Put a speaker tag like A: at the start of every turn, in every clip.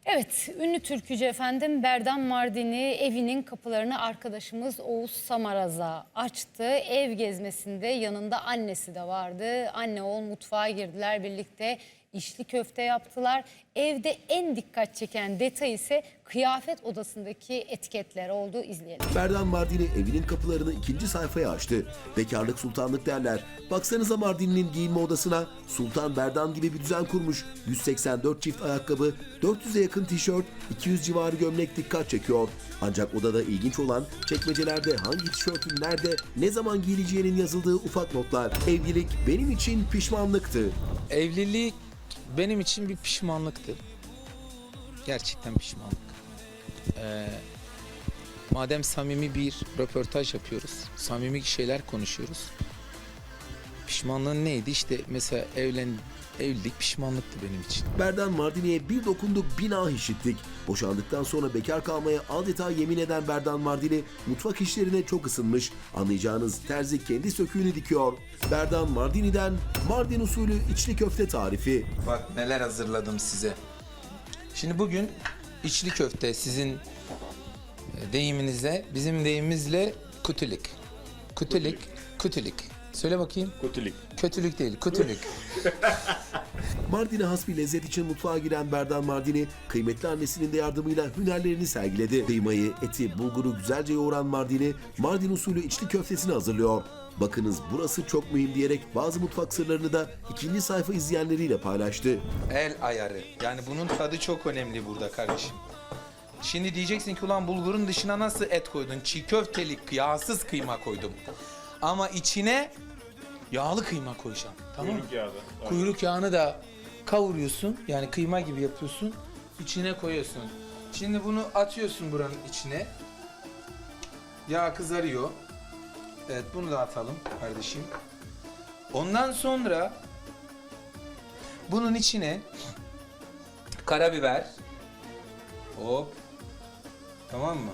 A: Evet, ünlü türkücü efendim Berdan Mardini evinin kapılarını arkadaşımız Oğuz Samaraz'a açtı. Ev gezmesinde yanında annesi de vardı. Anne oğul mutfağa girdiler, birlikte içli köfte yaptılar. Evde en dikkat çeken detay ise kıyafet odasındaki etiketler oldu. İzleyelim.
B: Berdan Mardini evinin kapılarını ikinci sayfaya açtı. Bekarlık sultanlık derler. Baksanıza Mardini'nin giyinme odasına Sultan Berdan gibi bir düzen kurmuş. 184 çift ayakkabı, 400'e yakın tişört, 200 civarı gömlek dikkat çekiyor. Ancak odada ilginç olan çekmecelerde hangi tişörtün nerede, ne zaman giyileceğinin yazıldığı ufak notlar. Evlilik benim için pişmanlıktı.
C: Evlilik benim için bir pişmanlıktı. Gerçekten pişmanlık. Madem samimi bir röportaj yapıyoruz, samimi şeyler konuşuyoruz. Pişmanlığın neydi? İşte mesela evlilik pişmanlıktı benim için.
B: Berdan Mardini'ye bir dokunduk bina işittik. Boşandıktan sonra bekar kalmaya adeta yemin eden Berdan Mardini mutfak işlerine çok ısınmış. Anlayacağınız terzi kendi söküğünü dikiyor. Berdan Mardini'den Mardin usulü içli köfte tarifi.
C: Bak neler hazırladım size. Şimdi bugün içli köfte sizin deyiminizle, bizim deyimimizle kutulik. Kutulik. Söyle bakayım.
D: Kötülük.
C: Kötülük değil, kutulik.
B: Mardin'e has bir lezzet için mutfağa giren Berdan Mardini, kıymetli annesinin de yardımıyla hünerlerini sergiledi. Kıymayı, eti, bulguru güzelce yoğuran Mardini, Mardin usulü içli köftesini hazırlıyor. Bakınız burası çok mühim diyerek bazı mutfak sırlarını da ikinci sayfa izleyenleriyle paylaştı.
C: El ayarı. Yani bunun tadı çok önemli burada kardeşim. Şimdi diyeceksin ki ulan bulgurun dışına nasıl et koydun? Çiğ köftelik, yağsız kıyma koydum. Ama içine yağlı kıyma koyacağım. Tamam mı?
D: Kuyruk yağı da.
C: Kuyruk yağını da kavuruyorsun. Yani kıyma gibi yapıyorsun. İçine koyuyorsun. Şimdi bunu atıyorsun buranın içine. Yağ kızarıyor. Evet, bunu da atalım kardeşim. Ondan sonra bunun içine karabiber. Hop. Tamam mı?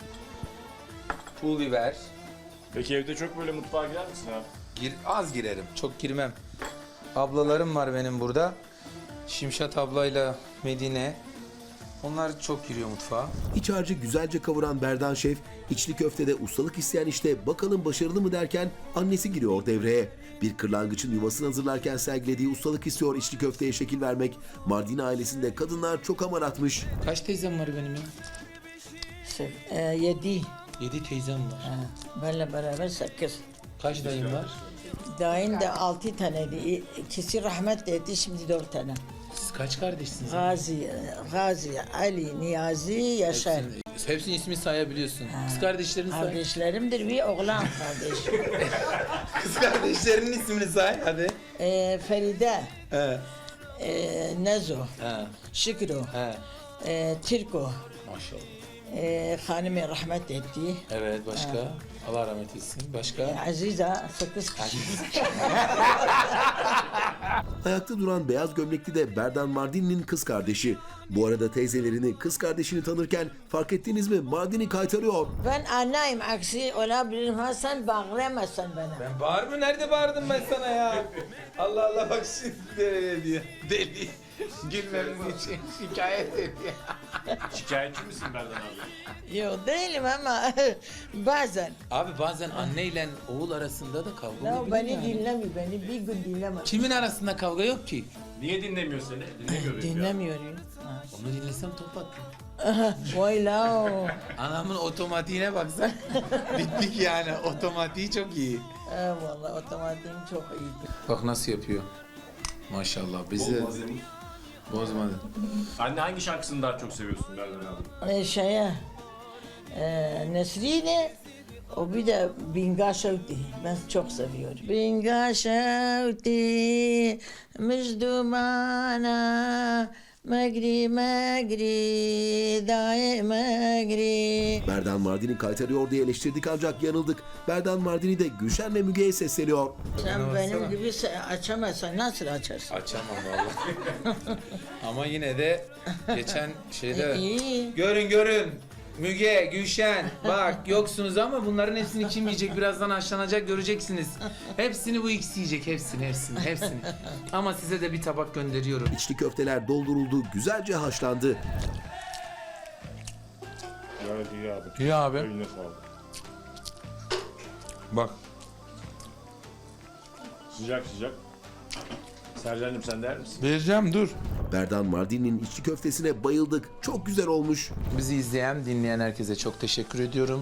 C: Pul biber.
D: Peki evde çok böyle mutfağa girer misin abi?
C: Az girerim. Çok girmem. Ablalarım var benim burada. Şimşat ablayla Medine. Onlar çok giriyor mutfağa.
B: İç harcı güzelce kavuran Berdan Şef, içli köftede ustalık isteyen işte bakalım başarılı mı derken annesi giriyor devreye. Bir kırlangıçın yuvasını hazırlarken sergilediği ustalık istiyor içli köfteye şekil vermek. Mardin ailesinde kadınlar çok amaratmış.
C: Kaç teyzem var benim ya?
E: 7.
C: 7 teyzem var.
E: Benle beraber 8.
C: Kaç dayım var?
E: Dayın da 6 taneydi. İkisi rahmetli etti, şimdi 4 tane.
C: Siz kaç kardeşsiniz?
E: Gazi, Ali, Niyazi, Yaşar.
C: Hepsinin ismini sayabiliyorsun. Kız kardeşlerini say.
E: Kardeşlerimdir, bir oğlan kardeş.
C: Kız kardeşlerinin ismini say hadi.
E: Feride,
C: He.
E: Nezo,
C: He.
E: Şükrü,
C: He.
E: Tirko,
C: Maşallah.
E: hanımı rahmet etti.
C: Evet, başka? Allah rahmet etsin. Başka?
E: Azize 8 kişi.
B: Ayakta duran beyaz gömlekli de Berdan Mardini'nin kız kardeşi. Bu arada teyzelerini, kız kardeşini tanırken fark ettiniz mi Mardini kaytarıyor.
E: Ben anneyim, aksi olabilirim. Ha sen bağlayamazsın bana.
C: Ben bağır mı? Nerede bağırdım ben sana ya? Allah Allah, bak şimdi öyle diyor. Deli. Gülmemiz için şikayet ediyor.
D: Şikayetçi misin Berdan abi?
E: Yok değilim ama bazen.
C: Abi bazen anneyle oğul arasında da kavga
E: Ya
C: olabilir
E: beni
C: yani.
E: dinlemiyor, beni bir gün dinlemez.
C: Kimin arasında kavga yok ki?
D: Niye dinlemiyor seni? Dinlemiyor beni ya.
E: Dinlemiyor ya. Ha.
C: Onu dinlesem top attım.
E: Vay la.
C: Anamın otomatiğine baksan bittik yani. Otomatiği çok iyi.
E: Vallahi otomatiğim çok iyiydi.
C: Bak nasıl yapıyor. Maşallah bizi
D: Olmazım.
C: bozmadı.
D: Anne hangi şarkısını daha çok seviyorsun Berdan abi?
E: Nesrine, o bir de Binga Şevti. Ben çok seviyorum. Binga Şevti, Müjdumana, Megri megri, daye megri.
B: Berdan Mardini kaytarıyor diye eleştirdik ancak yanıldık. Berdan Mardini de Gülşen ve Müge'ye sesleniyor.
E: Sen
C: Bana
E: benim
C: baksana.
E: gibi açamazsan nasıl açarsın?
C: Açamam vallahi. Ama yine de geçen şeyde
E: İyi.
C: görün Müge, Gülşen bak yoksunuz ama bunların hepsini kim yiyecek? Birazdan haşlanacak göreceksiniz. Hepsini bu ikisi yiyecek. Hepsini. Ama size de bir tabak gönderiyorum.
B: İçli köfteler dolduruldu, güzelce haşlandı.
D: Gayet iyi abi.
C: İyi abi.
D: Eline sağlık.
C: Bak.
D: Sıcak sıcak. Sercan'cığım sen der misin?
C: Vereceğim dur.
B: Berdan Mardin'in içli köftesine bayıldık. Çok güzel olmuş.
C: Bizi izleyen, dinleyen herkese çok teşekkür ediyorum.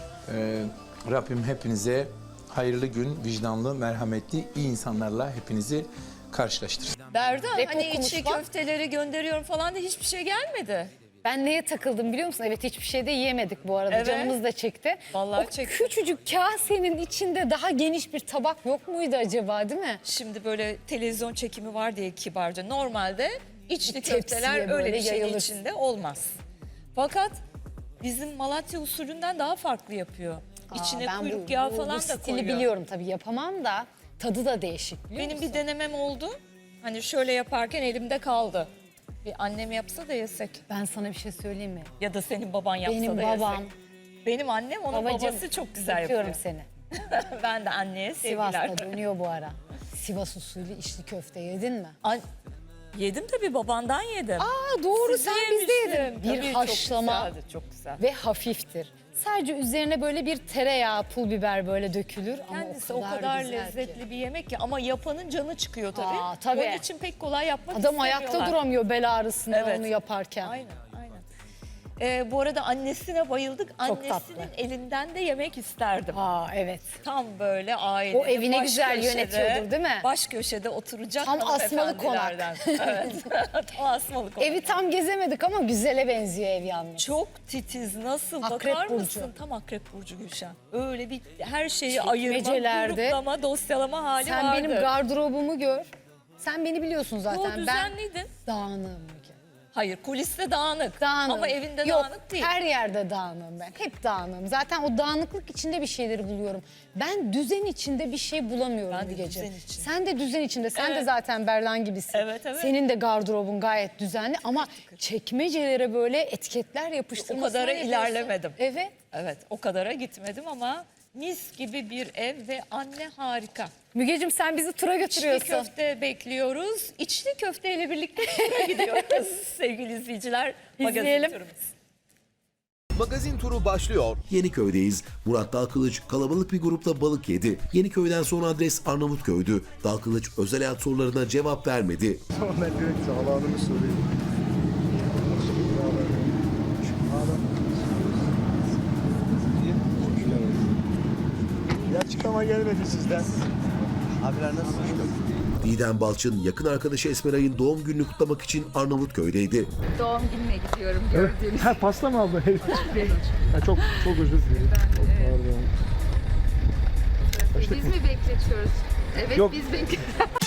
C: Rabbim hepinize hayırlı gün, vicdanlı, merhametli, iyi insanlarla hepinizi karşılaştırsın.
F: Berdan
A: Ve
F: hani
A: kokumuş
F: içli
A: bak.
F: köfteleri gönderiyorum falan da hiçbir şey gelmedi.
A: Ben neye takıldım biliyor musun? Evet, hiçbir şey de yiyemedik bu arada.
F: Evet.
A: Canımız da çekti.
F: Vallahi
A: o
F: çekti.
A: küçücük kasenin içinde daha geniş bir tabak yok muydu acaba, değil mi?
F: Şimdi böyle televizyon çekimi var diye kibarca. Normalde içli
A: Bir tepsiye
F: köfteler
A: böyle
F: öyle bir şeyin
A: yayılır.
F: içinde olmaz. Fakat bizim Malatya usulünden daha farklı yapıyor. İçine
A: ben
F: kuyruk yağı falan
A: bu
F: da
A: stili
F: koyuyor.
A: biliyorum tabii, yapamam da tadı da değişik biliyor
F: Benim
A: musun?
F: bir denemem oldu. Hani şöyle yaparken elimde kaldı. Bir annem yapsa da yesek.
A: Ben sana bir şey söyleyeyim mi?
F: Ya da senin baban yapsa
A: Benim
F: da
A: babam,
F: yesek. Benim annem, onun
A: babacığım,
F: babası çok güzel
A: öpüyorum
F: yapıyor.
A: seni.
F: Ben de anneye sevgiler.
A: Sivas'ta dönüyor bu ara. Sivas usulü içli köfte yedin mi?
F: Yedim tabii, babandan yedim.
A: Aa doğru,
F: Sizi
A: sen bizde
F: yemiştim.
A: yedin. Bir
F: Tabii,
A: haşlama
F: Çok güzeldi, çok güzel.
A: ve hafiftir. Sadece üzerine böyle bir tereyağı, pul biber böyle dökülür.
F: Kendisi
A: ama
F: o kadar
A: güzel
F: lezzetli
A: ki.
F: bir yemek ki, ama yapanın canı çıkıyor tabii.
A: Aa, tabii.
F: Onun için pek kolay yapmak
A: Adam ayakta
F: istemiyorlar.
A: duramıyor bel ağrısından
F: Evet.
A: onu yaparken.
F: Aynen, aynen. Bu arada annesine bayıldık. Annesinin
A: tatlı.
F: elinden de yemek isterdim.
A: Aa evet.
F: Tam böyle aile.
A: O evine güzel yönetiyordur, değil mi?
F: Baş köşede oturacak
A: Tam asmalı
F: hanımefendilerden. Evet. Tam asmalı konak.
A: Evi tam gezemedik ama güzele benziyor ev yalnız.
F: Çok titiz, nasıl
A: Akrep
F: bakar
A: burcu.
F: mısın? Tam akrep burcu Gülşen. Öyle bir her şeyi ayırma,
A: Çekmecelerde.
F: gruplama, dosyalama hali
A: Sen
F: vardı.
A: benim gardırobumu gör. Sen beni biliyorsun zaten.
F: Yo, düzenliydin.
A: Ben dağınığım Müge.
F: Hayır, kuliste dağınık.
A: Dağınığım.
F: Ama evinde
A: Yok,
F: dağınık değil.
A: her yerde dağınığım ben. Hep dağınığım. Zaten o dağınıklık içinde bir şeyleri buluyorum. Ben düzen içinde bir şey bulamıyorum
F: Ben de
A: Mügeciğim.
F: düzen içinde.
A: Sen de düzen içinde. Sen de
F: Evet.
A: zaten Berdan gibisin.
F: Evet, evet.
A: Senin de gardırobun gayet düzenli ama çekmecelere böyle etiketler yapıştırmasına
F: O kadara
A: ne diyorsun?
F: ilerlemedim.
A: Evet.
F: Evet, o kadara gitmedim ama mis gibi bir ev ve anne harika.
A: Mügeciğim sen bizi tura
F: İçli
A: götürüyorsun.
F: köfte bekliyoruz. İçli köfteyle birlikte tura gidiyoruz sevgili izleyiciler. Magazin
A: İzleyelim.
F: turumuz.
G: Magazin turu başlıyor.
B: Yeniköy'deyiz. Murat Dalkılıç kalabalık bir grupla balık yedi. Yeniköy'den son adres Arnavutköy'dü. Dalkılıç özel hayat sorularına cevap vermedi.
H: Ben direkt sağlığını sorayım. Bir açıklama gelmedi sizden.
G: Abiler nasılsınız?
B: Didem Balçın yakın arkadaşı Esmeray'ın doğum gününü kutlamak için Arnavutköy'deydi.
I: Doğum gününe gidiyorum gördüğünüz.
H: Ha pasta mı aldın? Ha, çok özür dilerim. Çok pardon.
I: Biz mi bekletiyoruz? Evet
H: Yok.
I: biz bekliyoruz.